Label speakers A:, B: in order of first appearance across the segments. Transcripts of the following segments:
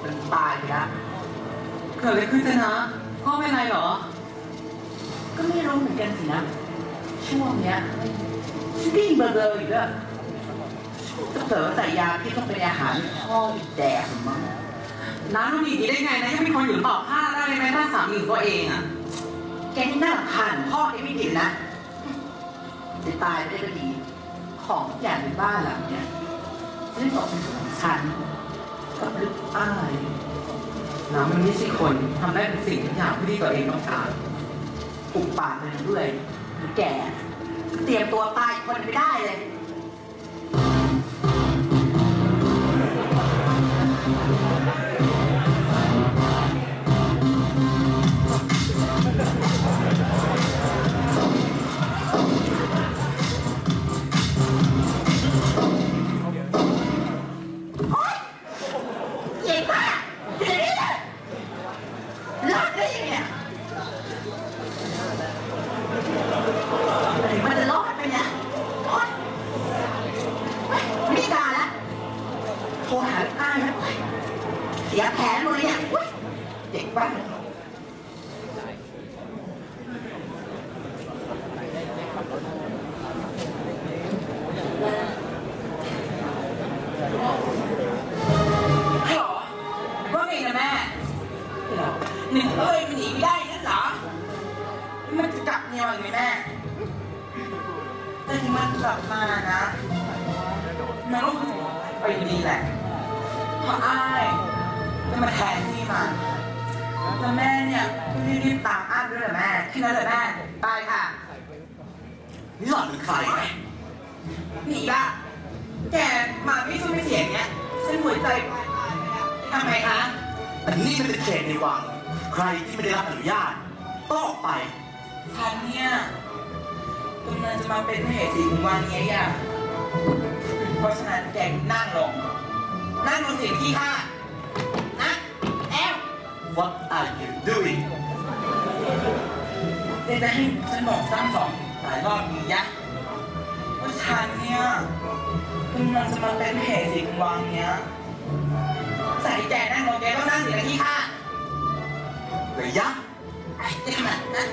A: มันตายไปแล้ว
B: เกิดอะไรขึ้นจ๊ะนะพ่อเป็นไรเหรอ
A: ก็ไม่รู้เหมือนกันสินะช่วงเนี้ยดิ้นเบอร์อีกแล้วจะเผลอใส่ยาที่ต้องเป็นอาหารพ่ออีกแดกมั้ง
B: น้าต้องมีได้ไงนะยังมีคนอยู่ต่อผ้าได้ไหมถ้าสามีตัวเองอ่ะ
A: แกนี่น่ารำคาญพ่อแกไม่ผิดนะจะตายไม่ได้ก็ดีของทุกอย่างในบ้านหลังเนี้ยไม่ตกเป็นของฉันก็ลึกอ้าย
B: น้ามันไม่ใช่คนทำได้เป็นสิ่งทุกอย่างที่ตัวเองต้องการ
A: ปุบปากไปเรื่อยแกเตรียมตัวตายคนไม่ได้เลยเสียแผนหมดเลยเนี่ยเด็กบ้าน
B: ฮัลโหลว่าไงนะแม่หนึ่งมันหนีไม่ได้นั่นเหรอมันจะกลับเมียอีกไหมแม่แต่ที่มันกลับมานะมันก็ไปดีแหละเพราะอ้ายจะมาแทนที่มันแล้วแม่เนี่ยรีบตามอ้ายด้วยเหรอแม่แค่นั้นเลยแม่ตายค่ะ
C: นี่หล่อนเป็นใคร
B: หนีละแกมาไม่สู้ไม่เสียงเนี้ยฉันหัวใจวายตายไปแล้วทำไมคะ
C: แต่นี่มันเป็นเขตในวังใครที่ไม่ได้รับอนุญาตต้องออกไป
B: ฉันเนี่ยกำลังจะมาเป็นเหตุสีของวันนี้อ่ะเพราะฉะนั้นแกนั่งลงเสียงที่ห้านะแอล
C: What are you doing
B: เดี๋ยวจะให้ฉันบอกซ้ำสองหลายรอบนี้ยะว่าฉันเนี่ยกำลังจะมาเป็นเหตุสีของวันเนี้ยใส่แกนั่งลงแกต้องนั่งเสียงที่ห้า
C: ระยะ
B: จะทำไมนะ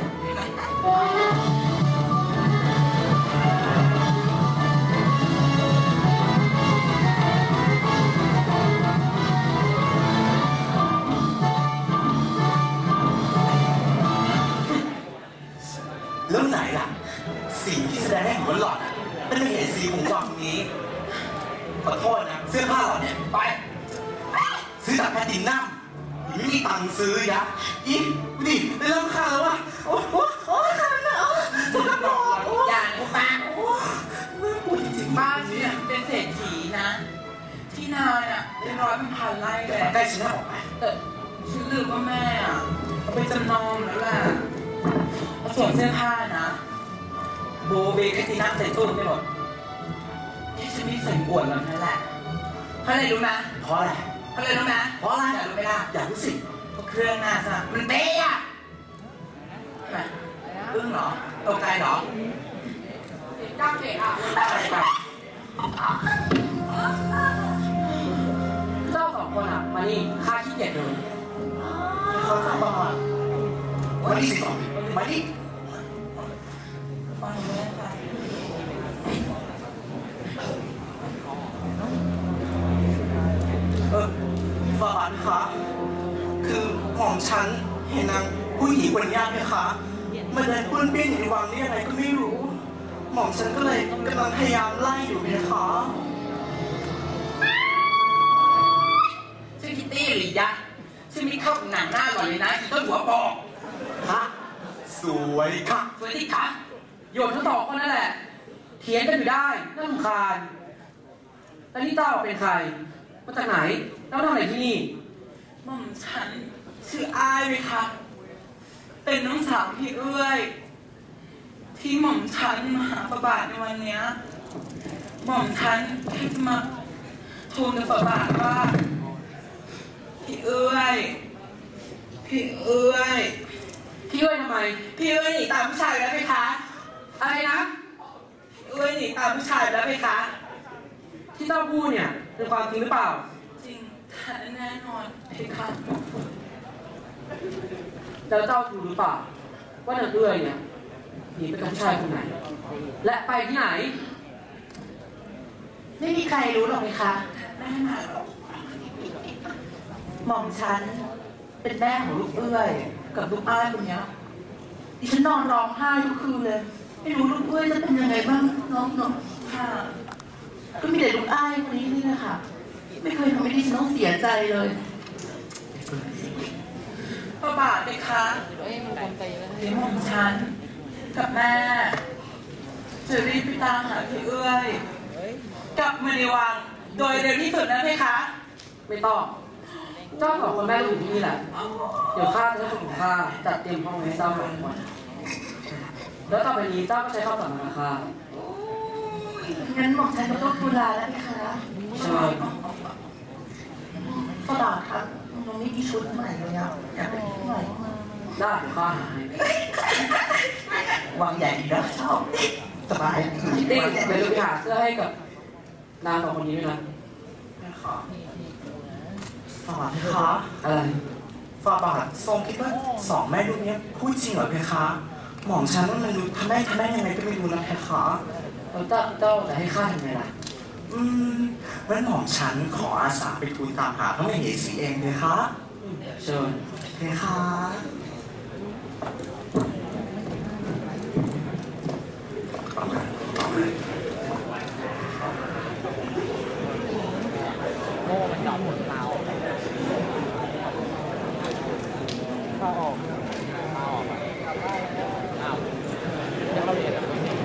C: แล้วไหนล่ะสีที่แสดงให้เห็นว่าหล่อนเป็นเหตุสีของวังนี้ขอโทษนะเสื้อผ้าหล่อนเนี่ยไปซื้อจากแพทินัมไม่มีตังค์ซื้อยะอีดิได้เริ่มคาแล้ววะโอ้คาแล้ว
B: สุดหล่ออย่างกูปากน่ากลัวจริงๆบ้านเนี่ยเป็นเศรษฐีนะที่นาเนี่ยเป็นร้อยเป็นพันไร่เลย
C: ใกล้ฉันแล้วบอกไหม
B: แต่ฉันลืมว่าแม่อ่ะเอาไปจำนองแล้วแหละส่วนเสื้อผ้านะโบเบกตินัมใส่ตู้ไปหมดที่ฉันไม่ใส่อวดมันนั่นแหละเพราะอะไรรู้นะ
C: เพราะอะไร
B: เพราะอะไรรู้นะ
C: เพราะอะไร
B: อยากรู้ไหมล่ะ
C: อยากรู้สิ
B: เพราะเครื่องหน้าซะมันเป๊ะอ่ะทำไมอึ้งเหรอตกใจเหรอจ้าเก๋อ่ะอะไรแบบเจ้าสองคนอ่ะมานี่ข้าขี้เกียจดู
C: เขาถามว่ามาดิสิก่อนมาดิฝาบาทคะคือหม่อมฉันเห็นนางผู้หญิงคนนี้ไหมคะมันเดินป้วนเปี้ยนอยู่ในวังนี่อะไรก็ไม่รู้หม่อมฉันก็เลยกำลังพยายามไล่อยู่นะคะ
B: ชื่อคิตตี้หรือยะชื่อมิเข้าหนังหน้าก่อนเลยนะต้นหัวปอก
C: ฮะสวยค่ะ
B: สวยที่ขาโยนทั้งสองคนนั่นแหละเถียงกันอยู่ได้น่ารำคาญแล้วนี่เจ้าเป็นใครมาจากไหนเจ้าทำอะไรที่นี่หม่อมฉันชื่ออายไหมคะเป็นน้องสาวพี่เอื้อยที่หม่อมฉันมาหาพระบาทในวันนี้หม่อมฉันแค่จะมาทูลกับพระบาทว่าพี่เอื้อยทำไมพี่เอื้อยหนีตามผู้ชายแล้วไหมคะอะไรนะพี่เอื้อยหนีตามผู้ชายแล้วไหมคะที่เจ้าพูดเนี่ยเป็นความจริงหรือเปล่าจริงท่านแน่นอนเพคะแล้วเจ้ารู้หรือเปล่าว่านางเอื้อยเนี่ยหนีไปกับผู้ชายคนไหนและไปที่ไหน
A: ไม่มีใครรู้หรอกไหมคะแม่มาหม่อมฉันเป็นแม่ของลูกเอื้อยกับลูกอ้ายคนนี้ดิฉันนอนร้องไห้ทุกคืนเลยไม่รู้ลูกเอื้อยจะเป็นยังไงบ้างน้องค่ะก็มีแต่ลูกอ้ายคนนี้นี่แหละค่ะไม่เคยทำให้ดิฉันต้องเสียใจเลยพระบาทไหมคะเดี๋ยวหม่อมฉันกับแม่จะรีบไปตามหาพี่เอื้อยกลับมาในวังโดยเร็วที่สุดนะเพคะ
B: ไม่ต้องเจ้าของคนแม่อยู่ที่นี่แหละเดี๋ยวข้าจะให้คนของข้าจัดเตรียมห้องให้เจ้าหน่อยก่อนแล้วต่อไปนี้เจ้าก็ใช้ข้าวสารมาค่ะ
A: งั้นหม่อมฉันก็ต้องดูแลแล้วเพคะ
B: ใช่
A: พระบาทครับมันไม่มีชุดใหม่เลยอะอยากได้ชุดใหม่
B: ได้เดี๋ยวข้าหาให้
A: วางใหญ่นะชอบสบาย
B: ติ๊กเดี๋ยวไปหาเสื้อให้กับนางสองคนนี้ด้วยนะ
C: ฝ่าบาทเพคะ
B: อะไร
C: ฝ่าบาททรงคิดว่าสองแม่ลูกนี้พูดจริงเหรอเพคะหม่อมฉันว่ามันดูทำแม่ยังไงก็ไม่รู้นะเพคะ
B: แล้วเจ้าจะให้ข้าทำไงล่ะ
C: งั้นหม่อมฉันขออาสาไปทูลตามหาพระมเหสีเองเพคะ
B: เชิญ
C: เพคะ
D: โง่มันจอดหมุนเราเข้าออกอ้าวจะเข้าเรียน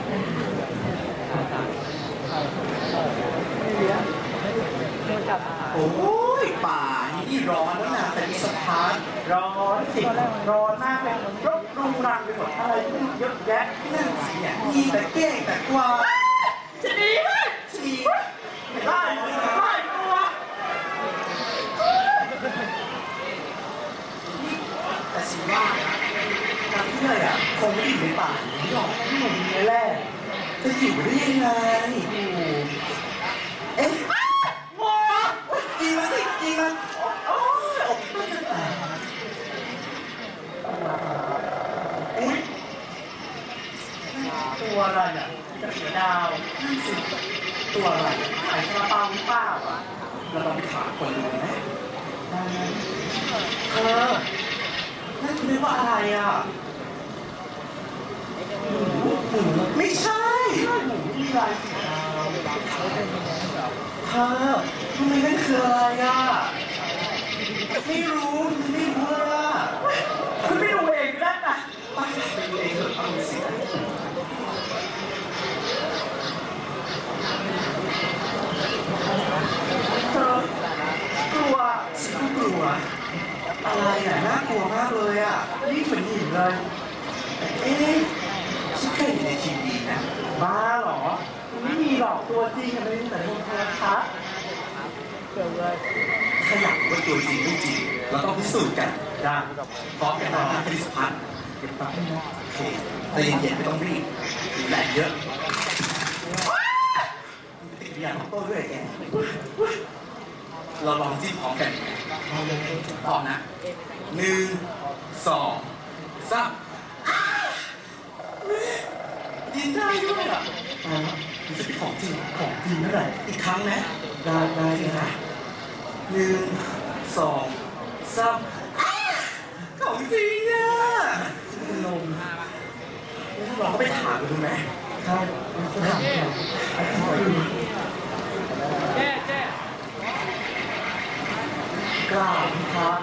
C: โอ้ยป่านี่ร้อนแล้วนะแต่มีสะพานร้อนสิร้อนมากเลยรบรุงรังไปหมดอะไรเยอะแยะนั่นสิเนี่ยมีแต่เก้งแต่กวาง
A: จะดีไหม
C: จะดีไล่ตัวแต่สิว่าทางที่ไหนอ่ะคงไม่อยู่ในป่านี้หรอกที่หนุ่มนี่แหละจะอยู่ได้ยังไงเอ๊ะกินมาสิกินมาโอ้ยอกมันจะแตกเอ๊ะตัวอะไรอ่ะจะเสือดาวตัวอะไรขายซาลาเปาหรือเปล่าอ่ะเราลองไปถามคนดูไหมนั่นคือเรียกว่าอะไรอ่ะหมูไม่ใช่หมูที่ลายสีดาวทำไมนั่นคืออะไรอ่ะไม่รู้เลยอ่ะ
A: คุณไม่ดูเองได้ปะ
C: ไปดูเองเถอะเอาสิกลัวฉันก็กลัวอะไรอ่ะน่ากลัวมากเลยอ่ะนี่เหมือนหินเลยเอ๊ะฉันเคยเห็นในทีวีนะบ้าเหรอไม่มีหรอกตัวจริงอะไรนี่แต่ในโทรทัศน์ถ้าอยากว่าตัวจริงไม่จริงเราต้องพิสูจน์กันได้พร้อมกันนะคริสพัฒน์เก็บตังค์โอเคแต่เย็นๆไม่ต้องรีบแรงเยอะติดอย่างของโต้ด้วยแกเราลองจิ้มพร้อมกันพร้อมนะ1 2 3ยินได้ด้วยอ่ะมันจะเป็นของจริงนั่นแหละอีกครั้งนะได้เลยนะ1 2 3ของจริงอ่ะเป็นลมลองก็ไปถามกันดูไหมใช่ไปถามกัน
D: เจ๊
C: กล่าวครับ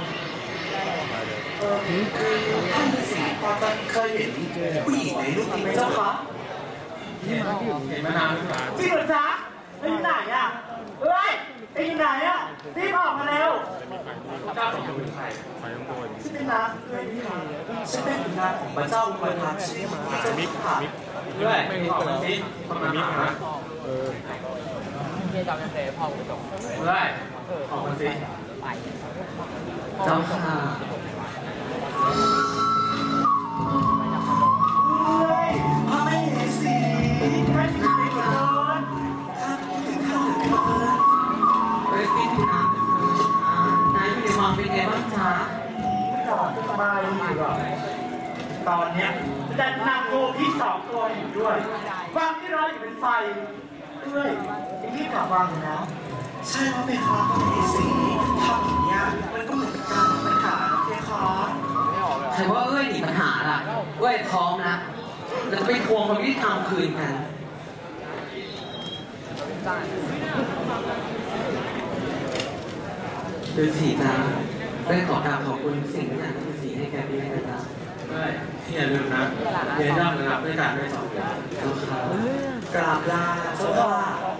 C: ท่านฤาษีพอจะเคยเห็นผู้หญิงในรูปนี้ไหมเจ้าคะ
D: เห็นมานานหรือเปล่า
A: จริงเหรอจ๊ะไปอยู่ไหนอ่ะเฮ้ยไปอยู่ไหนอ่ะรีบออกมาเร็ว
D: เจ้าของเป็นใครไปข้างบน
C: ฉันเป็นนางฉันเป็นนางของพระเจ้าอุปถัมภ์ชื่อเจ้ามิกค่ะ
D: ด้วยไม่ออกมาสิมามิกนะเจ๊จำยังไงพ่อคุณส่ง
B: ได้ออกมาสิเจ้าค่ะ
C: พระมเหสีท่านอยู่ในเมืองท่านถึงท่านถึงในเมือง
B: ไปที่น้ำเป็นไงบ้างจ๊ะ
D: ก่อนสบายอยู่หรอตอนเนี้ยจะนำโลพี่2 ตัวอยู่ด้วยความที่ร้อนอยู่เป็นไฟด้วยรีบกลับวางเลยนะ
C: ใช่ว่าเพคะพระมเหสีทำอย่างเนี้ยมันก็เหมือนการมีปัญหานะเพคะ
B: ใครว่าเอ้ยหนีปัญหาล่ะเอ้ยท้องนะเราจะไปทวงความยุติธรรมคืนกันดูสิจ๊ะได้ขอกราบขอบคุณสิ่งที่อย่างที่สีให้แกพี่นะจ๊ะ
D: ได้ที่อย่าลืมนะเรียนร่ำระดับด้วยการด้วย2 อย่าง
B: แล้วครับ
C: กราบลาเจ้าค่ะ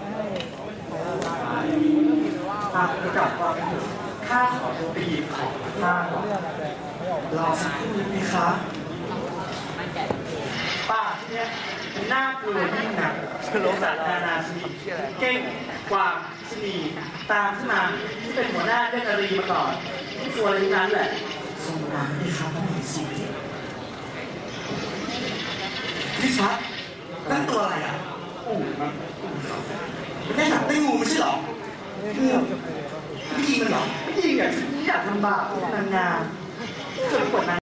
D: หากจะกลับความเป็นอยู่ข้าขอตัวไปหยิบของข้าก่อน
C: รอสักครู่นึงเพคะ
D: ป่าที่เนี้ยมันน่ากลัวยิ่งหนักโลกานานาชนิดเก้งกวางชนีตามขึ้นมาที่เป็นหัวหน้าเจ้านารีมาก่อนที่ตัวอะไรนั้นแหละ
C: ทรงน้ำเพคะพระมเหสีพี่ชัดนั่นตัวอะไรอ่ะ
D: อู้มัน
C: มันได้หนักได้งูไม่ใช่หรองูพี่ยิงมันเหรอ
D: ไม่จริงอ่ะฉันอยากทำบาปนางงามเกิดกดนาง